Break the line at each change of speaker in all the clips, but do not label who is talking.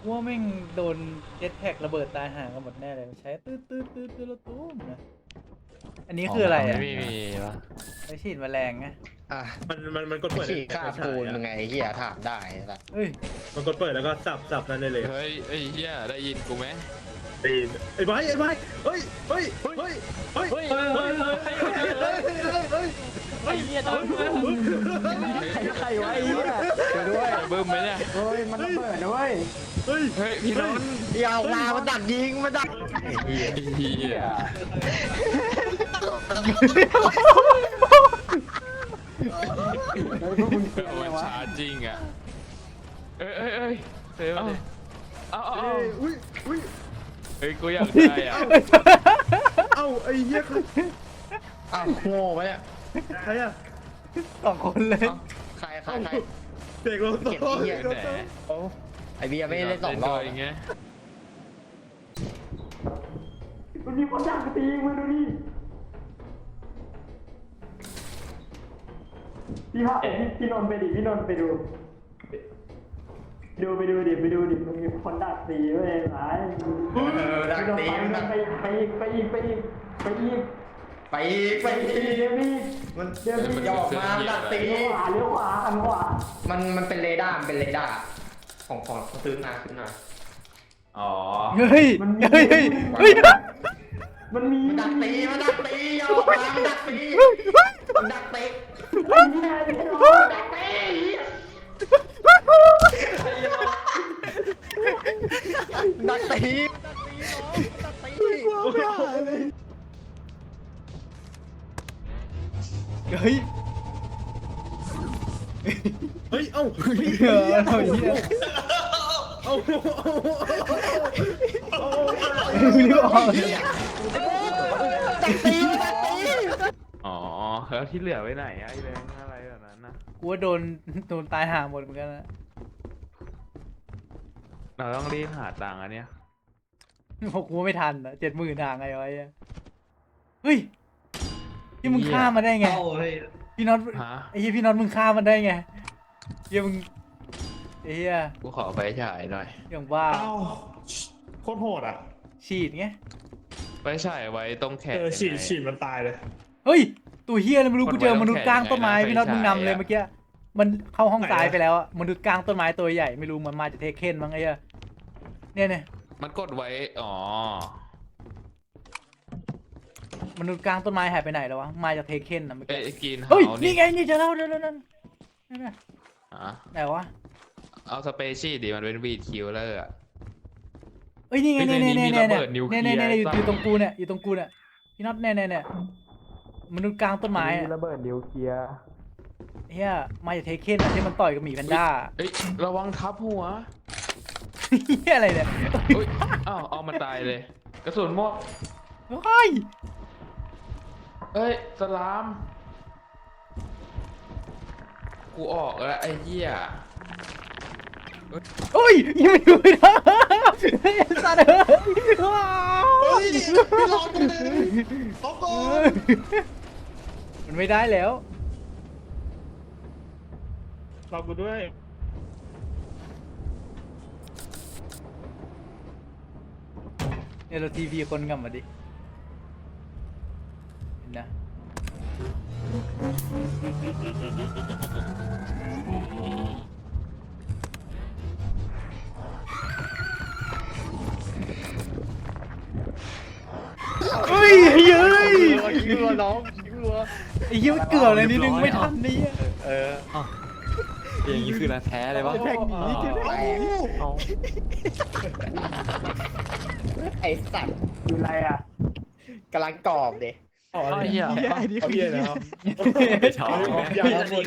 ว่าแม่งโดนเจ็ตแพ็กระเบิดตายห่างกันหมดแน่เลยมันใช้ตื้อแล้วตุ้มนะอันนี้คืออะไรอ่ะ
ไม่มีวะ
ไอฉีดแมลงไง
อ่ะ
มันกดเปิด
ขี่
ใน
ข้าม
ฉา
ปู
ย
น
อะ
มึงไงเฮียถามได้ละ
เฮ้ย
มันกดเปิดแล้วก็สับนั่นได้เลย
เฮ้ยไอ้เหี้ยได้ยินกูไหม
ตีนไอ้ไม้เฮ้ยเฮ้ยเฮ้ยเฮ้ยเฮ้ยเฮ้ยเฮ้ย
ไอ้เหี้ยโดนมึง
ใครวะไอ้เฮียไปด้วย
บึ้มไหมเนี่ย
เฮ้ยมันระเบิดนะเว้ย
เฮ้ย
เฮ้ยพี่นนท์
อย่าเอามาดักยิงมาดัก
ไอ้เหี้ยมันชาจริงอ่ะเฮ้ยเอา
อุ้ย
เฮ้ยกูอยากได้อ่ะ
เอ้าไอ้เหี้ย
อ้าวโง่ปะเนี่ย
ใครอะ
สองคนเลย
ใครใคร
เด็กโลโต้
เก็บไอ้เหี้ย
แหน
โอ้ไอเบียร์ไม่ได้สองรอบ
อย่างเงี้ย
มันมีคนอยากตีมึงดูดิพี่นนท์ไปดิพี่นนท์ไปดูไปดูดิมันมีคนดักตีเว้ยหลาย
ดักตี
พี่นนท์ไปอีก
ไปอีก
เดี๋ยวพี่
มัน
เดี๋ยวพี่
หยอกมาดักตี
เลี้ยวขวาหันขวา
มันเป็นเรดาร์ของซื้อมา
อ๋อ
เฮ้ยเฮ้ย
มันมี
มันดักตีหยอกมามันดักตีดักตี ดักตี
เฮ้ย
เฮ้ยเอ้า
เฮียเอาเฮีย
เอ้า
ไม่รู้ออก
ดักตี
อ๋อแล้วที่เหลือไว้ไหนไอ้แบงค์อะไรแบบนั้นนะ
กูว่าโดนตายห่าหมดเหมือนกันนะ
เราต้องรีบหาตังค์อันเนี้ย
พวกกูไม่ทันอ่ะ70,000ห่างไงวะเฮ้ยที่มึงฆ่ามาได้ไงพี่น็อต
ฮะ
ไอ้เหี้ยพี่น็อตมึงฆ่ามันได้ไงเหี้ยมึงไอ้เหี้ย
กูขอไปฉายหน่อย
อย่างบ้า
เอ้าโคตรโหดอ่ะ
ฉีดไง
ไปฉายไว้ตรงแขน
ฉีดมันตายเลย
เฮ้ยตัวเหี้ยอะไรไม่รู้
กด
กูเจอ
ไว้
มนุษย์กลางต้นไม้
ต้องแขน
พี่น็อต
ไงนะ
มึงนำเลย
ไฟฉายอะ
เมื่อกี้มันเข้าห้องซ้ายไปแล้วอะมนุษย์กลางต้นไม้ตัวใหญ่ไม่รู้มันมาจากเทคเคนมั้งไอ้เหี้ยเนี่ย
มันกดไว้ อ๋อ
มนุษย์กลางต้นไม้หายไปไหนแล้ววะมาจากเทคเคนนะเมื่อ
เอ้
กี้
ยกิน
เฮ้ย
เฮา
นี่ไงนี่เจะเล่าเดี๋ยวนั่น
ฮะ
ไหนวะ
เอาสเปเชียลดิมันเป็นวีดคิวเลอร์อะ
เอ้ยนี่ไง
เฮ้ย
เนี่ย
ในนี้
เนี่ย
มีระเบิดนิวเคลียร์
เนี่ยอยู่
ไอ้สัส
ตรงกูเนี่ยอยู่ตรงกูเนี่ยพี่น็อตเนี่ยมนุษย์กลางต้นไม้อะ
ระเบิดนิวเคลียร์
เฮียมาจากเทคเคนอะที่มันต่อยกับหมีแพนด้า
เอ้ยระวังทับหัว
เฮียอะไรเนี่ย
เฮ้ยอ้าวเอามาตายเลย กระสุนหมด
เฮ้ย
เอ้ยสลาม กูออกแล้วไอ้เหี้ย
โอ้ยยังไม่ดูนะไอ้สัตว์ว้าว
พี่รอตรงนี้เขาก่อน
มันไม่ได้แล้ว
รอกูด้วย
เนี่ยเราทีพีคนกลับมาดิเห็นนะเฮ้ยเย้ย
ยิงรัวน้องยิงรัว
ไอ้เหี้ยมันเกือบเลยนิดนึงไม่ทันนี่
อย่างนี้คือรักแท้เลยวะ
แท็กหนีเกือบ
ไอสัตว์
คืออะไรอ่ะ
กำลังกรอบเด็
อ๋อ
เหี้ย
ไอ้นี่
เขา
คือ
เหี้ยนะครับ
ชอบ
อย่ามาหมด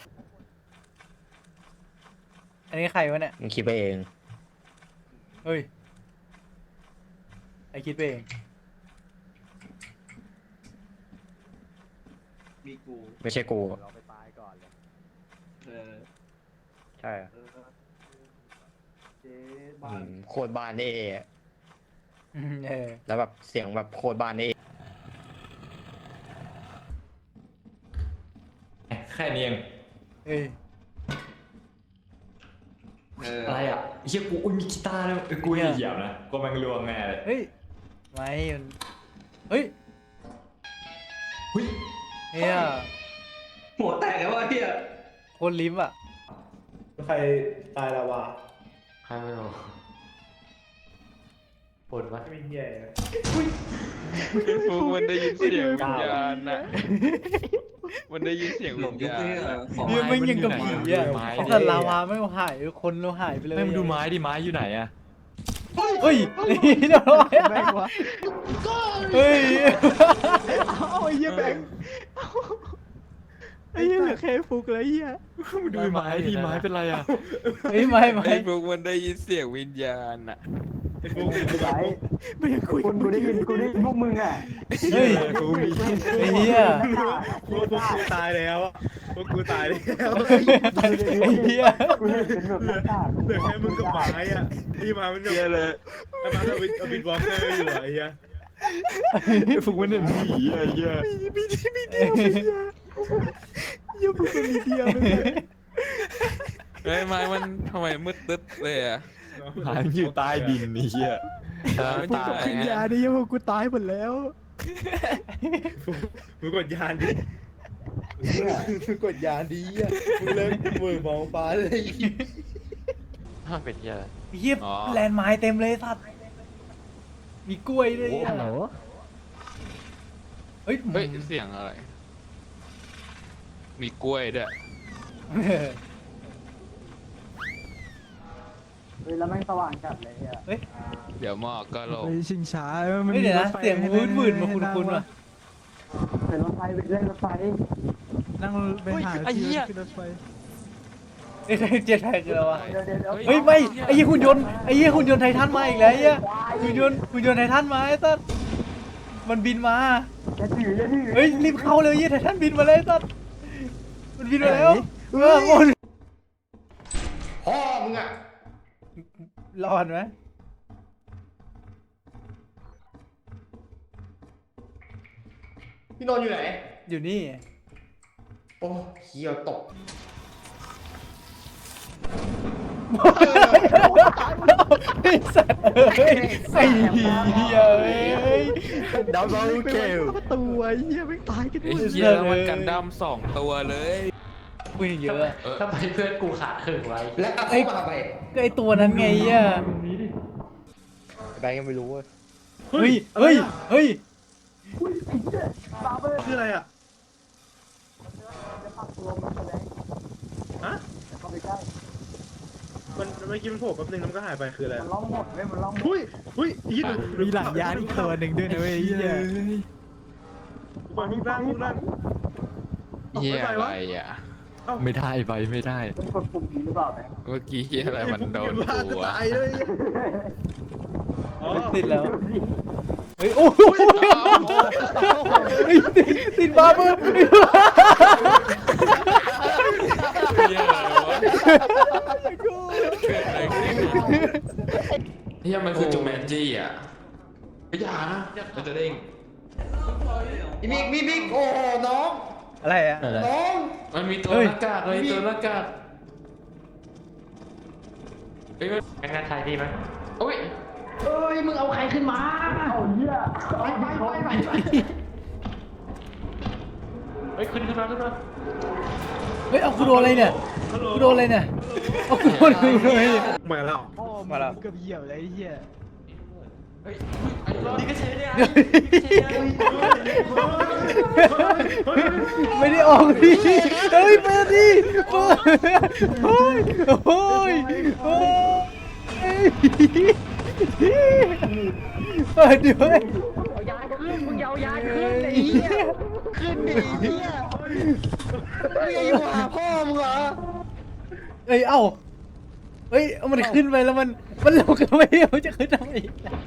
อันนี้ใครวะเนี่ย
มึงคิดไปเอง
เฮ้ยไอคิดไปเอง
มีกู
ไม่ใช่กู
เราไปตายก่อนเลย
เออ
ใช่
เจ๊บ้าน
โคตรบ้านนี่
เออ
แล้วแบบเสียงแบบโคตรบ้านนี่
แค่นี้เอง
เอ้ย
อะไรอ่ะเฮียกูอุ้ยมีกีตาร์ด้วยกูเหยียบนะกูมันรวงแน่เลย
เฮ้ยไม่มันเฮ้ย
เฮ้ย
เฮีย
หัวแตกแล้ววะเฮีย
โคนลิ้มอ่ะ
ใครตายแล้ววะ
ใครไม่รู้ปวดวะ
ไม่มีเฮียเลย
ฟูมันได้ยินเสียงวิญญาณน่ะมันได้ยินเสียงวิญญาณน่ะ
เฮียไม่งยังกับผีอ่ะแต่ลาวาไม่หายคนเราหายไปเลย
ไม่มาดูไม้ดิไม้อยู่ไหนอะ
เฮ้ยนี่เรียบร้อยอะเฮ้ย
เอาไอ้เหี้ยแบงค์ไอ้เหี้ยเหลือแค่ฟุกแล้วไอ้เหี้ย
มาดูไม้ดิไม้เป็นไรอะ
เฮ้ยไม่ไม่
ไอ้ฟูมันได้ยินเสียงวิญญาณน่ะ
ไม่อยากคุยกูได้ยินพวกมึงอ่ะ
เฮ้ย
กูมี
ไอ้เหี้ย
พวกกูตายแล้วพวกกูตายแล้ว
ไอ้เหี้ย
กูเห็นเป็นแบบหน้ากากเหลือแค่มึงกับหมาอ่ะที่มามันจะ
เหี้ยเลย
ไอ้มาเอาบิดวอล์กเกอร์อยู่ไอ้เหี้ย
ฝึกมันเนี่ยผีอะเหี้ย
เหี้ยมึงเป็นมีเดียมึง
ไอ้ไม้มันทำไมมืดตึ๊ดเลยอ่ะ
หายอยู่ใต้ดินนี่เหี้ย
มันตาย
กินยาดิพวกกูตายหมดแล้ว
มึงกดยานดิมึงกดยานดีอ่ะมึงเลิกมือมองฟ้าเลย
ถ้าเป็นเหี้ย
เหี้ยแลนด์ไม้เต็มเลยสัตว์มีกล้วยด้วยอะเฮ้ย
เฮ้ยเสียงอะไร มีกล้วยด้วย
เฮ้ยแล้วแม่งสว่างจัดเลยอ่ะ
เฮ้ย
เดี๋ยวหมอกก็ลง
ไปชิงช้า
เฮ้ยเดี๋ยวนะเสียงวืดๆมาคุ้นๆว่ะ
เป็นรถไฟไปเล่นรถไฟนั่งไปหา
ไอ้เหี้ย
ขึ้นรถไฟ
ไอ้เจ็ดแท็กคืออะไรวะ
เดี๋ยว
เฮ้ยไม่ไอ้เหี้ยหุ่นยนต์ไอ้เหี้ยหุ่นยนต์ไททันมาอีกแล้วไอ้เหี้ยหุ่นยนต์ไททันมาไอ้สัสมันบินมา
อย่าถืออย่าถือ
เฮ้ยรีบเข้าเลยไอ้เหี้ยไททันบินมาเลยไอ้สัสมันบินมาแล้วหมด
พ่อมึงอ่ะ
รอดไหม
พี่นนท์อยู่ไหน
อยู่นี่
โอ้เฮียตก
ไอ้สัตว์เอ้ยไอ้เหี้ยเอ้ย
ดับเบิลเกล
ตัวเหี้ยไม่ตายกัน
ไอ้เหี้ยแล้วมันกันดั้ม2 ตัวเลย
คุยเยอะอะ
ทำไมเพื่อนกูขาดครึ่งไว้
และเอาเข้ามาไป
ก็ไอตัวนั้นไงอ่ะ
แบงค์ยังไม่รู้เว้ย
เฮ้ยเฮ้ยเฮ้ย
คืออะไรอ่ะ ฮะ มันเมื่อกี้มันโผล่แป๊บนึงแล้วมันก็หายไปคืออะไร
มันล่องหมดเว้ยมันล่องหมด
หุ้ยหุ้ยยี่มีหลังยานอีกตัวหนึ่งด้วยนะเว้ยเหี้ยปล่อยมึงด้านมึงด้าน
เหี้ยอะไรอ่ะ
ไม่ได้ไปไม่ได้
เป็นคนปุ่มนี้หรือเปล่าเนี่ย
เมื่อกี้เหี้ยอะไรมันโดน
บ้า
กู
จะ
วะ
ตายเลยอ๋อ
ติดแล้วเฮ้ยโอ้โหติดบาร์เบอร์
เหี้ยอะไรวะเกิดอะไรขึ้นเหี้ยมันคือจูแมนจี้อ่ะไม่อยานะมันจะเด้ง
มีบิ๊กโอ้น้อง
อะไรอ่ะ
น้อง
มันมีตัวหน้ากากเลยตัวหน้ากากเฮ้ย
เป็นงานชายดีไหม
โอ้ย
เอ้ยมึงเอาใครขึ้นมาเอาเฮียไป
เฮ้ยขึ้นมา
เฮ้ยเอากูโดนอะไรเนี่ยกูโดนอะไรเนี่ยเอากูโดนอะไรเนี่ย
มาแล้ว
มาแล้ว
เกือบเหยียบเลยไอ้เหี้ย
ดีก็ใช้ได้
ไม่ได้ออกดิเฮ้ยเปิดดิเปิดโอ้ยโอ้ยโอ้ยเปิดด้วย
เอายาขึ้นมึงเอายาขึ้นไอ้เหี้ยขึ้นดิเหี้ยมึงอย่าอยู่หาพ่อมึงเหรอ
เอ้ยเอ้าเฮ้ยเอามันขึ้นไปแล้วมันลงกันไม่ได้มันจะขึ้นทำไม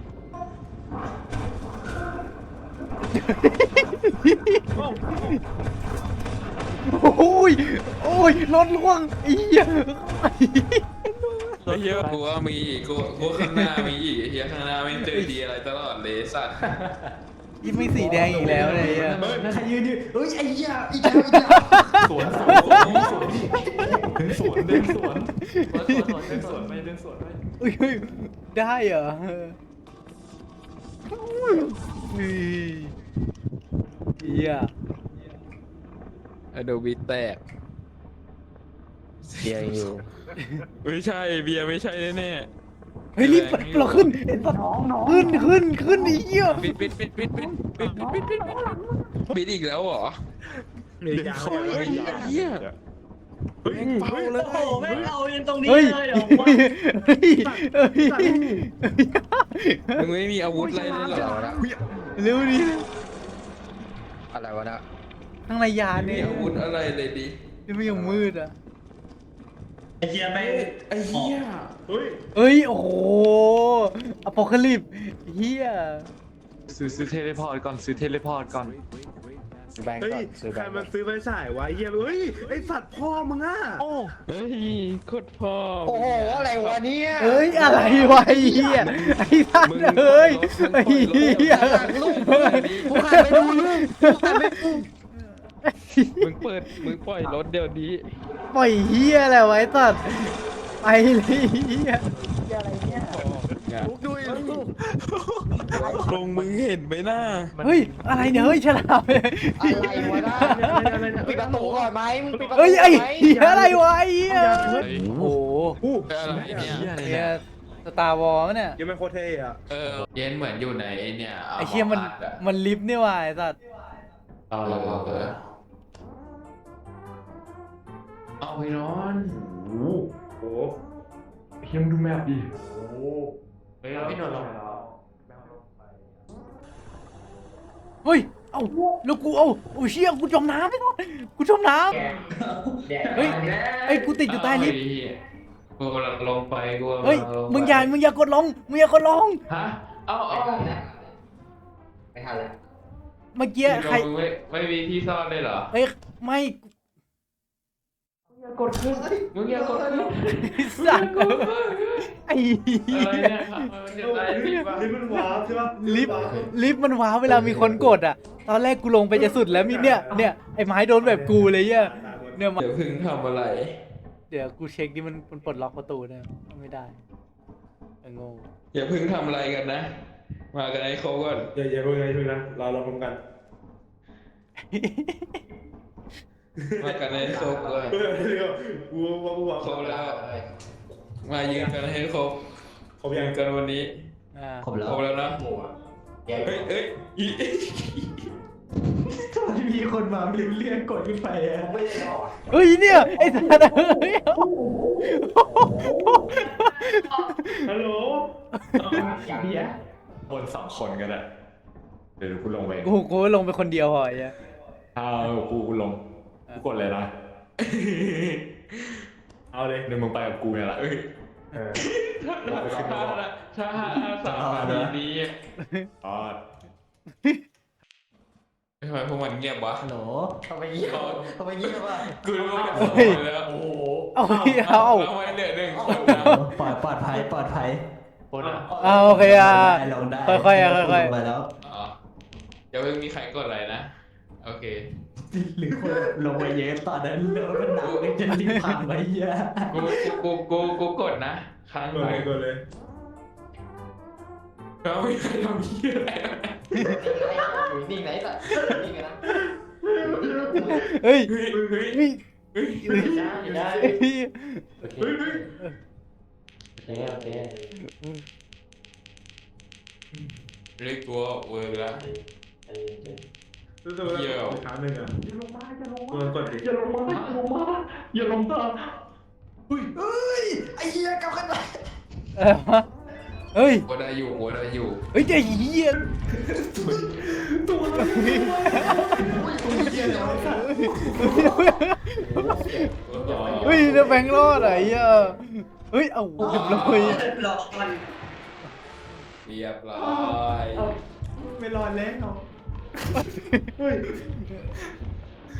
โอ้ยโอ้ยรถล่วงไอ้เหี้ย
ไอ้เหี้ยกูว่ามีอีกกูข้างหน้ามีอีกไอ้เหี้ยข้างหน้าไม่เจอดีอะไรตลอดเลยสัตว์
ยิ่งไม่สีแดงอีกแล้วเลยอ่ะ
ใครยืนอยู่เฮ้ยไอ้เหี้ยอีกแล้ว
สวน
สวนเดินสวนเดินสวนไปเดินสวนไป
เฮ้ยได้เหรอเฮ้ยเฮีย
อะโดบิแตก
เบียร์ยังอยู่
ไม่ใช่เบียร์ไม่ใช่แน่
เฮ้ยรีบเราขึ้นไอ้สัตว์ขึ้นไอ้เหี้ย
ปิดอีกแล้วเหรอ
มียาง
เหี้ย
เฮ้ยเฝ้าเลย
โอ้โหแม่งเอายันตรงนี้
เฮ้ย
เลยเหรอ
เฮ้ยเฮ้ย
มึงไม่มีอาวุธอะไรเลยเหรอ
เร็วดิ
อะไรวะนะ
ข้างในยาน
ไม่มี
เนี่ย
อาวุธอะไรเลยดิ
ที่ไม่ยังมืดอ่ะ
ไอ้เหี้ยแม่ง
ไอ้เหี้ย
เฮ้ย
เฮ้ยโอ้โหอพอคาลิปเฮีย
ซื้อเทเลพอร์ตก่อนซื้อเทเลพอร์ตก่อน
ซื้อแบงก์
เฮ้
ก่อย นซื้อแบ
ใครง
ก์
มันซื้อไฟฉายวะเฮียเฮ้ยไอสัตว์พ่อมึงอ่ะ
เฮ้ยโคตรพ่อ
โอ้โหอะไรวะเนี่ย
เอ้ยอะไรวะไอ้เฮียไอ้สัตว์เอ้ยไอ้เฮีย
กูหันไปดูลูกกูหันไปดู
มึงปล่อยรถเดี๋ยวนี้
ปล่อยเฮียอะไรไวะไอ้สัตว์ไปเลยเฮีย
ลูกดูอีกลูก
ลงมึงเห็นไหมหน้า
เฮ้ยอะไรเนี่ยเฮ้ยฉลามเลย
อะไรวะนะปิดประตูก่อนไหมมึงปิดประตู
เฮ้ยไอ้
ไหม
เหี้ยอะไรวะไอ้เหี้ยโอ้โห
อะไรเนี่ย
เนี่ยสตาร์วอลเนี่ย
ยังไม่โคตรเท่อะ
เย็นเหมือนอยู่ในเนี่ย
ไอ้เชี่ยมันลิฟต์นี่ว่ะไอ้สัตว์
เอาไปนอน
โอ้โห
เฮียมดูแมพดิเฮ้ยพี่นอนลง
เฮ้ยเอ้าแล้วกูเอ้าโอ้เชี่ยกูจมน้ำไปก่อนกูจมน้ำเฮ้ยไอ้กูติดอยู่ใต้ลิฟต์
กูลงไปกู
เฮ้ยมึงอย่ากดลง
ฮะเอา
ไม่ทันแล้ว
เมื่อกี้ใคร
ไม่มีที่ซ่อนเลยเหรอ
เฮ้ยไม่
กดขึ้นมึงอย่ากดขึ้น
สัตว์ไอ้เหี้
อะไร
ย
เนี่ยมันจะได้รีบ
ลิฟต์มันว้าวใช่ปะ
ลิฟต์มันว้าวเวลามีคนกดอ่ะตอนแรกกูลงไปจะสุดแล้วมีเนี่ยไอ้ไม้โดนแบบกูเลยเนี่ยมา
เดี๋ยวพึ่งทำอะไร
เดี๋ยวกูเช็คดิมันปลดล็อกประตูเนี่ยไม่ได้โง่
อย่าพึ่งทำอะไรกันนะ มากันให้ครบก่อน
อย่าเพิ่งนะเราพร้อมกัน
มากันให้ครบก่อน
เฮ้ยกูว่า
ครบแล้ว มายืนกันให้ครบ
เขายัง
กันวันนี้
อ่า
ครบแล้วนะเฮ้ยอี
มีคนมาเรียกกดขึ้นไปอะ
เฮ้ยเนี่ยไอ้สัตว์เฮ้ย
ฮัลโหล
เบียร์
บน2 คนกันอะเดี๋ยวกูลงไป
กูลงไปคนเดียวเหรอไอ้
กูลงกูกดเลยนะ
เอาเลย
เดี๋ยวมึงไปกับกูเนี่ยแหละ
ถ้า3 นาทีนี้
อ๋อ
ทำไมพวกมันเงียบวะ
ฮัลโหล
ทำไมเงี้ยวะ
กูรู้ว่าแล้ว
โอ้โห
เอา
ทำไมเหลือ1 คนนะ
ปลอดภัย
คนอะ
เอาโอเคอ่ะ
ลงได้
ค่อยๆค่อย
ลงไปแล้ว
อ๋ออย่าเพิ่งมีใครกดอะไรนะ โอเค
หรือคนลงไปเยอะตอนนั้นรถมันหนักเลยจะรีบพังไปเยอะ
กูกดนะครั้ง
กด
ไหน
เลย
เราไม่เคยทำเหี้ยอะไร
อยู่นิ่งไหนสัตว์นิ่งนะ
เฮ้ย
เฮ้ย
เฮ้ย
ได้
เฮ้ย
โอเคโอเค
เรียกตัวเวอร์ละ
รู้สึกว่าครั้งหนึ่งอ่ะกดดิ
อย่าลงมาไอ้เหี้ยกลับกันไป
เฮ้ย
หัวได้อยู่
เฮ้ยไอ้เหี้ย เฮ้ยจะแบงค์รอดไอ้เหี้ยเฮ้ยเอาเรียบร้อย
เรียบร้อย
ไม่รอดแล้ว
เฮ้ย